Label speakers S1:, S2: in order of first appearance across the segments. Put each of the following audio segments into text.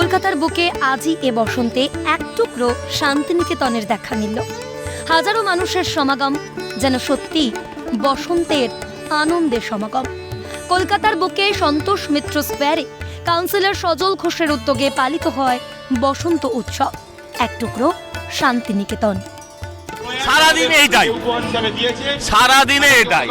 S1: কলকাতার বুকে আজই এ বসন্তে এক টুকরো শান্তিনিকেতনের দেখা মিলল। হাজারো মানুষের সমাগম, যেন সত্যি বসন্তের আনন্দের সমাগম। কলকাতার বুকে সন্তোষ মিত্র স্কোয়ারে কাউন্সিলর সজল ঘোষের উদ্যোগে পালিত হয় বসন্ত উৎসব, এক টুকরো শান্তিনিকেতন।
S2: সারাদিন এইটাই, সারাদিনে এটাই।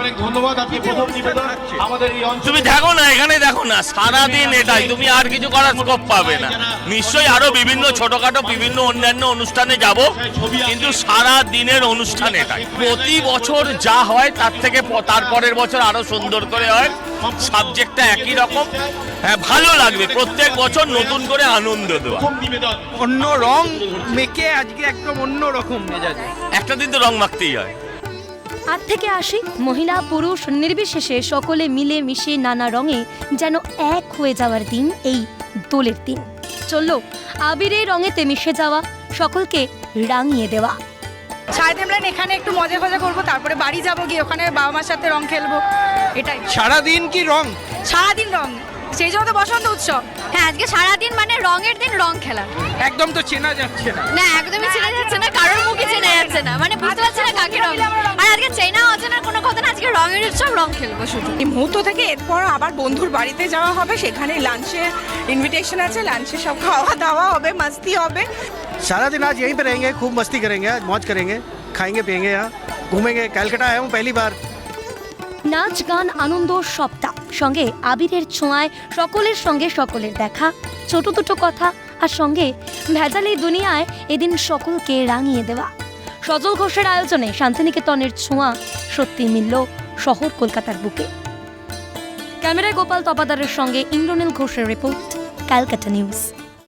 S2: তুমি দেখো না, এখানে দেখো না, সারাদিন এটাই। তুমি আর কিছু করার স্কোপ পাবে না। নিশ্চয়ই আরো বিভিন্ন ছোটখাটো বিভিন্ন অন্যান্য অনুষ্ঠানে যাব, কিন্তু সারা দিনের অনুষ্ঠান এটাই। প্রতি বছর যা হয় তার থেকে তারপরের বছর আরো সুন্দর করে হয়। সাবজেক্টটা একই রকম, হ্যাঁ ভালো লাগবে। প্রত্যেক বছর নতুন করে আনন্দ দেওয়া,
S3: অন্য রং মেখে আজকে একদম অন্য রকম মেজাজে।
S2: একটা দিন তো রং মাখতেই হয়।
S1: আট থেকে আসি মহিলা পুরুষ নির্বিশেষে সকলে মিলে মিশে নানা রঙে যেন এক হয়ে যাওয়ার দিন এই দোলের দিন। চলল আবিরের রঙেতে মিশে যাওয়া, সকলকে রাঙিয়ে দেওয়া।
S4: সারাদিন আমরা এখানে একটু মজা ফজা করবো, তারপরে বাড়ি যাবো, গিয়ে ওখানে বাবা মার সাথে রং খেলবো, এটাই।
S3: সারাদিন কি রং?
S4: সারাদিন রং, সেই জন্য তো বসন্ত উৎসব।
S5: হ্যাঁ, আজকে সারাদিন মানে রঙের দিন, রং খেলা।
S3: একদম তো চেনা যাচ্ছে না।
S5: না, একদমই চেনা যাচ্ছে না, কারোর মুখে চেনা যাচ্ছে না, মানে বুঝতে পারছে না কাকে রং। আর আজকে চেনা অচেনার কোনো কথা না, আজকে রঙের উৎসব, রং খেলবো শুধু।
S4: এই মুহূর্ত থেকে এরপর আবার বন্ধুর বাড়িতে যাওয়া হবে, সেখানে লাঞ্চে ইনভিটেশন আছে, লাঞ্চে সব খাওয়া দাওয়া হবে, মাস্তি হবে।
S6: सारा दिन आज यहीं पे रहेंगे, खूब मस्ती करेंगे, आज मौज करेंगे, खाएंगे पिएंगे, यहाँ घूमेंगे। कैलकाटा आया हूँ पहली बार।
S1: নাচ গান আনন্দ সবটা সঙ্গে আবিরের ছোঁয়ায় সকলের সঙ্গে সকলের দেখা, ছোট দুটো কথা, আর সঙ্গে ভেজালি দুনিয়ায় এদিন সকলকে রাঙিয়ে দেওয়া। সজল ঘোষের আয়োজনে শান্তিনিকেতনের ছোঁয়া সত্যি মিলল শহর কলকাতার বুকে। ক্যামেরায় গোপাল তপাদারের সঙ্গে ইন্দ্রনীল ঘোষের রিপোর্ট, ক্যালকাটা নিউজ।